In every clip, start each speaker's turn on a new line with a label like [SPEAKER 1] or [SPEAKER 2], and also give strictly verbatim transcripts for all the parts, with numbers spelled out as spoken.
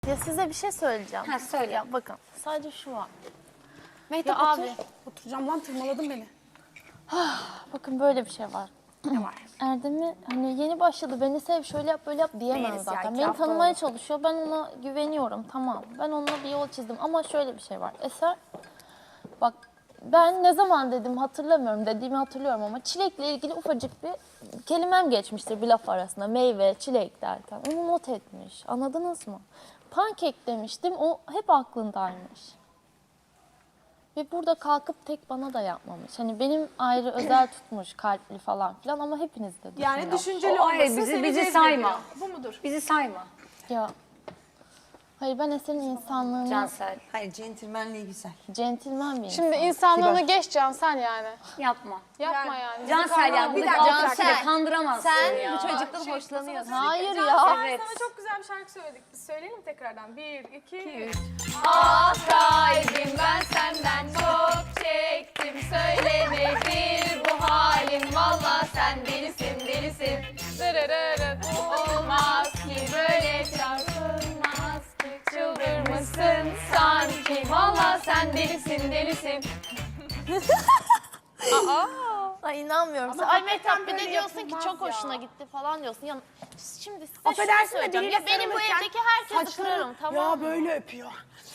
[SPEAKER 1] Ya size bir şey söyleyeceğim.
[SPEAKER 2] Ha, söyle.
[SPEAKER 1] Ya bakın sadece şu var.
[SPEAKER 3] Mehtap
[SPEAKER 1] Ya
[SPEAKER 3] otur.
[SPEAKER 1] abi.
[SPEAKER 3] Oturacağım lan, tırmaladın beni.
[SPEAKER 1] Bakın böyle bir şey var.
[SPEAKER 3] Ne var?
[SPEAKER 1] Erdem'i hani yeni başladı, beni sev, şöyle yap böyle yap diyemem
[SPEAKER 3] Değiliz ya,
[SPEAKER 1] zaten.
[SPEAKER 3] iki
[SPEAKER 1] Beni
[SPEAKER 3] hafta
[SPEAKER 1] tanımaya
[SPEAKER 3] oldu.
[SPEAKER 1] çalışıyor, ben ona güveniyorum, tamam. Ben onunla bir yol çizdim ama şöyle bir şey var. Eser, bak ben ne zaman dedim hatırlamıyorum, dediğimi hatırlıyorum ama çilekle ilgili ufacık bir kelimem geçmiştir bir laf arasında. Meyve, çilek derken. Onu not etmiş, anladınız mı? Pankek demiştim, o hep aklındaymış. Ve burada kalkıp tek bana da yapmamış. Hani benim ayrı özel tutmuş, kalpli falan filan ama hepiniz de düşünün.
[SPEAKER 4] Yani düşünceli
[SPEAKER 2] O ayrı,
[SPEAKER 4] olması
[SPEAKER 2] bizi-
[SPEAKER 4] seni
[SPEAKER 2] bizi
[SPEAKER 4] cezbediyor.
[SPEAKER 2] sayma.
[SPEAKER 4] Bu mudur?
[SPEAKER 2] Bizi sayma
[SPEAKER 1] Ya. Hayır, ben Eser'in insanlığını,
[SPEAKER 2] Cansel.
[SPEAKER 5] Hayır, centilmenliği güzel.
[SPEAKER 1] centilmen bir
[SPEAKER 4] Şimdi
[SPEAKER 1] insan.
[SPEAKER 4] insanlığını geç Cansel yani.
[SPEAKER 2] Yapma.
[SPEAKER 4] Yapma yani.
[SPEAKER 2] Cansel ya,
[SPEAKER 5] Bir
[SPEAKER 2] bu
[SPEAKER 5] dakika,
[SPEAKER 2] Cansel
[SPEAKER 5] Cansel.
[SPEAKER 2] kandıramazsın
[SPEAKER 5] Sen
[SPEAKER 2] ya.
[SPEAKER 5] bu çocuktan hoşlanıyorsun.
[SPEAKER 1] Hayır ya.
[SPEAKER 2] Evet.
[SPEAKER 4] Sana çok güzel bir şarkı söyledik. Biz söyleyelim tekrardan. Bir, iki, üç.
[SPEAKER 6] Kalbim ben senden çok çektim, söylenedir bu halin, valla sen delisin delisin.
[SPEAKER 4] Dırırırır.
[SPEAKER 6] Olmaz ki böyle çarpılmaz ki, çıldırmışsın sanki, valla sen delisin delisin.
[SPEAKER 1] Ay inanmıyorum. Sen, ay Mehtap bir de diyorsun ki çok hoşuna gitti falan diyorsun. Ya şimdi size şunu
[SPEAKER 3] Affedersin de
[SPEAKER 1] söyleyeceğim.
[SPEAKER 3] biriyle
[SPEAKER 1] Ya benim bu
[SPEAKER 3] sarılırken
[SPEAKER 1] evdeki herkesi
[SPEAKER 3] saçları-
[SPEAKER 1] kırarım, tamam
[SPEAKER 3] Ya
[SPEAKER 1] mı?
[SPEAKER 3] böyle öpüyor.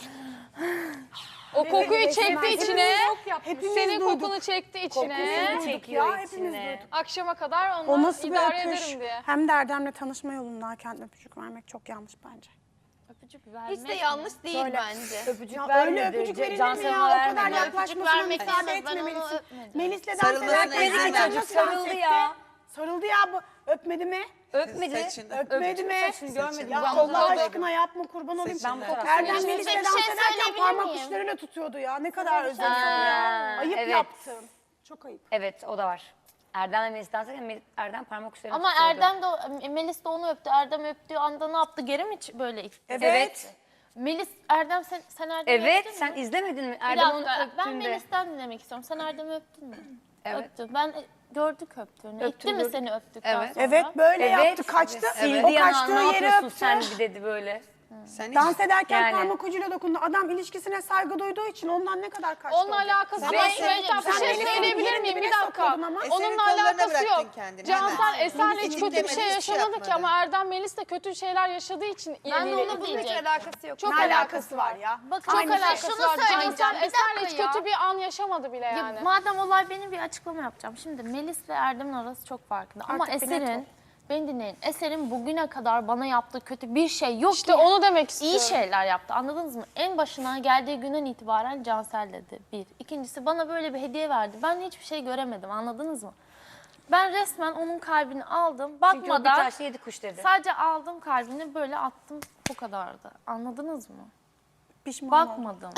[SPEAKER 4] O kokuyu çekti
[SPEAKER 3] Hepimiz
[SPEAKER 4] içine.
[SPEAKER 3] Hepimiz
[SPEAKER 4] Senin
[SPEAKER 3] duyduk.
[SPEAKER 4] kokunu çekti içine.
[SPEAKER 3] Kokusunu duyduk
[SPEAKER 2] çekiyor
[SPEAKER 3] ya, hepimiz
[SPEAKER 2] içine.
[SPEAKER 3] duyduk.
[SPEAKER 4] Akşama kadar
[SPEAKER 3] O
[SPEAKER 4] onunla
[SPEAKER 3] nasıl bir
[SPEAKER 4] idare
[SPEAKER 3] öpüş?
[SPEAKER 4] ederim diye.
[SPEAKER 3] Hem de Erdem'le tanışma yolundayken öpücük vermek çok yanlış bence.
[SPEAKER 1] Öpücük vermek.
[SPEAKER 6] Hiç de yanlış değil
[SPEAKER 3] Böyle.
[SPEAKER 6] bence.
[SPEAKER 2] Öpücük
[SPEAKER 3] Ya
[SPEAKER 2] vermedi.
[SPEAKER 3] öyle öpücük
[SPEAKER 2] Ce-
[SPEAKER 3] verilir mi
[SPEAKER 2] Cansel
[SPEAKER 3] ya?
[SPEAKER 2] ona
[SPEAKER 3] O kadar
[SPEAKER 2] vermedi.
[SPEAKER 3] yaklaşmasına
[SPEAKER 1] vermek
[SPEAKER 3] müsaade
[SPEAKER 1] istemez, ben onu
[SPEAKER 3] etmemelisin.
[SPEAKER 1] öpmedim.
[SPEAKER 3] Melis'le dans
[SPEAKER 5] Sarılmasına
[SPEAKER 3] ederken
[SPEAKER 5] izin
[SPEAKER 3] Melis
[SPEAKER 5] ver.
[SPEAKER 3] nasıl
[SPEAKER 2] Sarıldı
[SPEAKER 3] dans etti?
[SPEAKER 2] ya.
[SPEAKER 3] Sarıldı ya bu. Öpmedi mi?
[SPEAKER 2] Öpmedi.
[SPEAKER 5] Saçını.
[SPEAKER 3] Öpmedi mi?
[SPEAKER 2] Saçını görmedim.
[SPEAKER 3] Ya
[SPEAKER 2] Ben
[SPEAKER 3] Allah
[SPEAKER 2] fotoğrafı-
[SPEAKER 3] aşkına yapma, kurban olayım.
[SPEAKER 2] Ben bu fotoğrafı
[SPEAKER 3] Erdem
[SPEAKER 2] görmedim.
[SPEAKER 3] Melis'le
[SPEAKER 1] Bir
[SPEAKER 3] dans
[SPEAKER 1] şey
[SPEAKER 3] ederken
[SPEAKER 1] söyleyebilir
[SPEAKER 3] parmak
[SPEAKER 1] miyim?
[SPEAKER 3] uçlarıyla tutuyordu ya. Ne kadar özeniyorum ya. Ayıp
[SPEAKER 2] evet.
[SPEAKER 3] yaptın. Çok ayıp.
[SPEAKER 2] Evet, o da var. Erdem ve Melis dans ederken Erdem parmak uçlarına
[SPEAKER 1] Ama
[SPEAKER 2] tutuyordu.
[SPEAKER 1] Erdem de, o- Melis de onu öptü. Erdem öptüğü anda ne yaptı? Geri mi ç- böyle itti?
[SPEAKER 2] Evet.
[SPEAKER 1] Melis, Erdem sen, sen Erdem'i
[SPEAKER 2] Evet,
[SPEAKER 1] öptün
[SPEAKER 2] sen
[SPEAKER 1] mü?
[SPEAKER 2] izlemedin mi?
[SPEAKER 1] Bir
[SPEAKER 2] Erdem onu
[SPEAKER 1] dakika, ben
[SPEAKER 2] öptüğünde.
[SPEAKER 1] Melis'ten dinlemek istiyorum. Sen Erdem'i öptün mü?
[SPEAKER 2] Evet.
[SPEAKER 1] Öptü. Ben e, gördük öptüğünü. İtti mi
[SPEAKER 2] gördüm.
[SPEAKER 1] seni öptükten
[SPEAKER 2] Evet.
[SPEAKER 1] sonra?
[SPEAKER 3] Evet böyle
[SPEAKER 2] Evet.
[SPEAKER 3] yaptı, kaçtı.
[SPEAKER 2] Sildi
[SPEAKER 3] O
[SPEAKER 2] yana,
[SPEAKER 3] kaçtığı
[SPEAKER 2] ne
[SPEAKER 3] yeri
[SPEAKER 2] yapıyorsun
[SPEAKER 3] öptü.
[SPEAKER 2] sen bir dedi böyle.
[SPEAKER 5] Sen hiç...
[SPEAKER 3] Dans ederken
[SPEAKER 2] Yani.
[SPEAKER 3] parmak ucuyla dokundu. Adam ilişkisine saygı duyduğu için ondan ne kadar kaçtı.
[SPEAKER 4] Onunla
[SPEAKER 3] olacak?
[SPEAKER 4] alakası
[SPEAKER 1] Sen
[SPEAKER 4] yok.
[SPEAKER 1] Melis'in-
[SPEAKER 4] Mehtap bir
[SPEAKER 1] sen
[SPEAKER 4] şey
[SPEAKER 3] Melis'in
[SPEAKER 4] söyleyebilir
[SPEAKER 3] yerin
[SPEAKER 4] miyim? Bir
[SPEAKER 3] dibine
[SPEAKER 4] dakika.
[SPEAKER 3] sokuyordun ama.
[SPEAKER 5] Eser'in
[SPEAKER 4] Onunla
[SPEAKER 5] kollarına
[SPEAKER 4] alakası
[SPEAKER 5] bıraktın
[SPEAKER 4] yok.
[SPEAKER 5] kendini,
[SPEAKER 4] Cansel
[SPEAKER 5] hemen.
[SPEAKER 4] Eser'le
[SPEAKER 5] Hiç
[SPEAKER 4] hiç kötü bir
[SPEAKER 5] demedi,
[SPEAKER 4] şey
[SPEAKER 5] hiçbir şey
[SPEAKER 4] yaşamadı ki
[SPEAKER 5] yapmadı.
[SPEAKER 4] ama Erdem Melis de kötü şeyler yaşadığı için
[SPEAKER 1] Ben de
[SPEAKER 4] eliyle
[SPEAKER 1] onu
[SPEAKER 4] ilgili.
[SPEAKER 1] diyecektim.
[SPEAKER 6] alakası yok.
[SPEAKER 4] Çok
[SPEAKER 3] Ne
[SPEAKER 4] alakası
[SPEAKER 3] alakası var ya?
[SPEAKER 1] Bakın
[SPEAKER 4] Çok
[SPEAKER 1] çok
[SPEAKER 4] alakası
[SPEAKER 1] şunu
[SPEAKER 4] var.
[SPEAKER 1] söyleyeceğim.
[SPEAKER 4] Cansel
[SPEAKER 1] Bir
[SPEAKER 4] Eser'le
[SPEAKER 1] dakika
[SPEAKER 4] hiç
[SPEAKER 1] ya.
[SPEAKER 4] kötü bir an yaşamadı bile
[SPEAKER 1] Ya
[SPEAKER 4] yani.
[SPEAKER 1] madem olay, benim bir açıklama yapacağım. Şimdi Melis ve Erdem'in arası çok farklı. Ama
[SPEAKER 3] Artık bir net
[SPEAKER 1] Eser'in,
[SPEAKER 3] ol.
[SPEAKER 1] beni dinleyin. Eser'in bugüne kadar bana yaptığı kötü bir şey yok
[SPEAKER 4] İşte
[SPEAKER 1] ki.
[SPEAKER 4] onu demek istiyorum.
[SPEAKER 1] İyi şeyler yaptı, anladınız mı? En başına geldiği günden itibaren Cansel dedi, bir. İkincisi bana böyle bir hediye verdi. Ben hiçbir şey göremedim, anladınız mı? Ben resmen onun kalbini aldım,
[SPEAKER 2] Çünkü o bir
[SPEAKER 1] bakmadan
[SPEAKER 2] taşla yedi kuş dedi.
[SPEAKER 1] sadece aldım kalbini, böyle attım, bu kadardı. Anladınız mı?
[SPEAKER 3] Pişman oldum.
[SPEAKER 1] Bakmadım.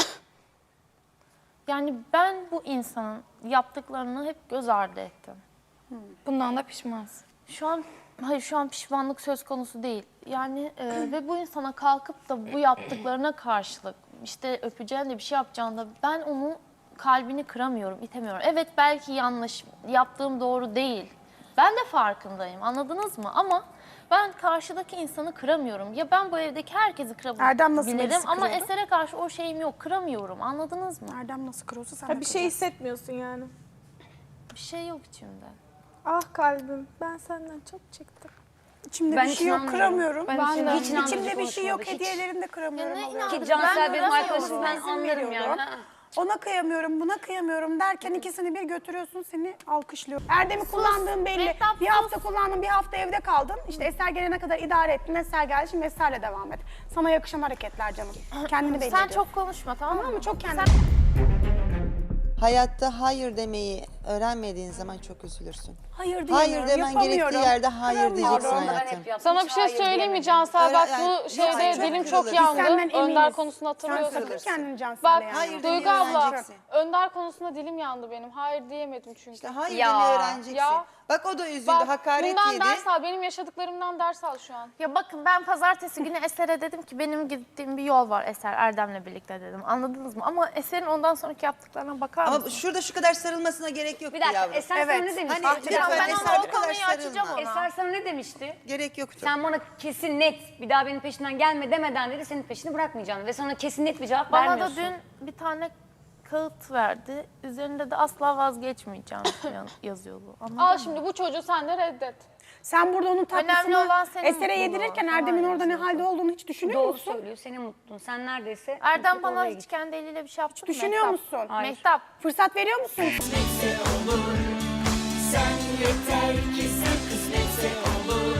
[SPEAKER 1] Yani ben bu insanın yaptıklarını hep göz ardı ettim.
[SPEAKER 6] Bundan da pişmansın.
[SPEAKER 1] Şu an, hayır şu an pişmanlık söz konusu değil. Yani e, ve bu insana kalkıp da bu yaptıklarına karşılık işte öpeceğin de bir şey yapacağında ben onun kalbini kıramıyorum, itemiyorum. Evet belki yanlış, yaptığım doğru değil. Ben de farkındayım, anladınız mı? Ama ben karşıdaki insanı kıramıyorum. Ya ben bu evdeki herkesi
[SPEAKER 3] Erdem nasıl
[SPEAKER 1] kırabilirim
[SPEAKER 3] Melis'i
[SPEAKER 1] ama
[SPEAKER 3] kırıyordu?
[SPEAKER 1] Eser'e karşı o şeyim yok, kıramıyorum. Anladınız mı?
[SPEAKER 3] Erdem nasıl kırıyorsa sen de
[SPEAKER 4] Bir şey
[SPEAKER 3] kıracaksın.
[SPEAKER 4] hissetmiyorsun yani.
[SPEAKER 1] Bir şey yok içimde.
[SPEAKER 4] Ah kalbim, ben senden çok çektim.
[SPEAKER 3] İçimde
[SPEAKER 2] Ben
[SPEAKER 3] bir
[SPEAKER 2] hiç
[SPEAKER 3] şey yok,
[SPEAKER 2] inanmıyorum.
[SPEAKER 3] kıramıyorum.
[SPEAKER 4] Ben de.
[SPEAKER 2] Hiç inandırıcı
[SPEAKER 3] İçimde bir şey yok,
[SPEAKER 2] konuşmadı, hiç.
[SPEAKER 3] hediyelerini de kıramıyorum.
[SPEAKER 1] Ya ne
[SPEAKER 3] alıyorum.
[SPEAKER 1] inandırıcı?
[SPEAKER 2] Ki Cansel
[SPEAKER 1] Ben
[SPEAKER 2] benim
[SPEAKER 1] kıramıyorum.
[SPEAKER 2] arkadaşım, ben
[SPEAKER 3] İzin
[SPEAKER 2] anlarım
[SPEAKER 3] veriyorum.
[SPEAKER 2] yani. Ha.
[SPEAKER 3] Ona kıyamıyorum, buna kıyamıyorum derken ikisini bir götürüyorsun, seni alkışlıyor. Erdem'i kullandığın belli.
[SPEAKER 1] Mehtap,
[SPEAKER 3] Bir
[SPEAKER 1] sus.
[SPEAKER 3] hafta kullandın, bir hafta evde kaldın. İşte Eser gelene kadar idare ettin. Eser geldi, şimdi Eser'le devam et. Sana yakışan hareketler canım. Kendini belli
[SPEAKER 1] Sen
[SPEAKER 3] ediyorsun.
[SPEAKER 1] çok konuşma, tamam mı?
[SPEAKER 3] Tamam mı? Çok kendini.
[SPEAKER 5] Hayatta hayır demeyi öğrenmediğin zaman çok üzülürsün.
[SPEAKER 3] Hayır diyemiyorum,
[SPEAKER 5] Hayır demen
[SPEAKER 3] yapamıyorum.
[SPEAKER 5] gerektiği yerde hayır
[SPEAKER 3] Kıramıyorum.
[SPEAKER 5] diyeceksin
[SPEAKER 2] Ben
[SPEAKER 5] hayatım.
[SPEAKER 2] hep yaptım,
[SPEAKER 4] Sana
[SPEAKER 2] hiç
[SPEAKER 4] bir şey
[SPEAKER 2] hayır
[SPEAKER 4] söyleyeyim mi
[SPEAKER 2] diyemedim.
[SPEAKER 4] Cansel? Bak
[SPEAKER 5] Öyle-
[SPEAKER 4] bu
[SPEAKER 5] yani-
[SPEAKER 4] şeyde
[SPEAKER 5] Yok,
[SPEAKER 4] dilim
[SPEAKER 5] çok
[SPEAKER 4] çok
[SPEAKER 5] kırılır.
[SPEAKER 4] yandı.
[SPEAKER 3] Senden
[SPEAKER 4] Önder
[SPEAKER 3] eminiz.
[SPEAKER 4] konusunu
[SPEAKER 3] Sen
[SPEAKER 4] hatırlıyorsun.
[SPEAKER 3] sakın kendini Cansel'e
[SPEAKER 4] Bak
[SPEAKER 3] yani.
[SPEAKER 5] Hayır
[SPEAKER 4] Duygu
[SPEAKER 5] demeyi
[SPEAKER 4] abla,
[SPEAKER 5] öğreneceksin.
[SPEAKER 4] Önder konusunda dilim yandı benim. Hayır diyemedim çünkü.
[SPEAKER 5] İşte hayır
[SPEAKER 2] Ya,
[SPEAKER 5] demeyi öğreneceksin.
[SPEAKER 4] ya.
[SPEAKER 5] Bak o da üzüldü,
[SPEAKER 4] Bak,
[SPEAKER 5] hakaret
[SPEAKER 4] bundan
[SPEAKER 5] yedi.
[SPEAKER 4] ders al. Benim yaşadıklarımdan ders al şu an.
[SPEAKER 1] Ya bakın ben pazartesi günü Eser'e dedim ki benim gittiğim bir yol var Eser Erdem'le birlikte dedim. Anladınız mı? Ama Eser'in ondan sonraki yaptıklarına bakar
[SPEAKER 5] Ama
[SPEAKER 1] mısın?
[SPEAKER 5] şurada şu kadar sarılmasına gerek yok
[SPEAKER 2] Bir dakika
[SPEAKER 5] yavrum.
[SPEAKER 2] Eser sana
[SPEAKER 3] Evet.
[SPEAKER 2] ne demişti?
[SPEAKER 5] Hani
[SPEAKER 2] Bir dakika,
[SPEAKER 5] lütfen
[SPEAKER 1] ben
[SPEAKER 5] Eser
[SPEAKER 1] ona
[SPEAKER 5] bu
[SPEAKER 1] o
[SPEAKER 5] kadar
[SPEAKER 1] konuyu açacağım
[SPEAKER 5] sarılma.
[SPEAKER 1] ona.
[SPEAKER 2] Eser sana ne demişti?
[SPEAKER 5] Gerek yoktu.
[SPEAKER 2] Sen bana kesin net bir daha benim peşimden gelme demeden dedi senin peşini bırakmayacağım ve sana kesin net bir cevap
[SPEAKER 1] Bana da
[SPEAKER 2] vermiyorsun.
[SPEAKER 1] dün bir tane kağıt verdi. Üzerinde de asla vazgeçmeyeceğim yazıyordu. Anladın
[SPEAKER 4] Al
[SPEAKER 1] mı?
[SPEAKER 4] şimdi bu çocuğu sen de reddet.
[SPEAKER 3] Sen burada onun tatlısını
[SPEAKER 1] olan senin
[SPEAKER 3] Eser'e
[SPEAKER 1] mutluluğun.
[SPEAKER 3] yedirirken
[SPEAKER 1] Tamam,
[SPEAKER 3] Erdem'in orada ne
[SPEAKER 1] yazıyorsun.
[SPEAKER 3] halde olduğunu hiç düşünüyor
[SPEAKER 2] Doğru
[SPEAKER 3] musun?
[SPEAKER 2] söylüyor, senin mutluluğun. Sen neredeyse...
[SPEAKER 1] Erdem
[SPEAKER 2] mutluluk
[SPEAKER 1] bana
[SPEAKER 2] oraya
[SPEAKER 1] hiç
[SPEAKER 2] gitti.
[SPEAKER 1] kendi eliyle bir şey yaptı mı?
[SPEAKER 3] Düşünüyor
[SPEAKER 1] Mehtap?
[SPEAKER 3] musun?
[SPEAKER 2] Hayır.
[SPEAKER 1] Mehtap.
[SPEAKER 3] Fırsat veriyor musun?
[SPEAKER 7] Sen yeter ki sen kısmetse olur.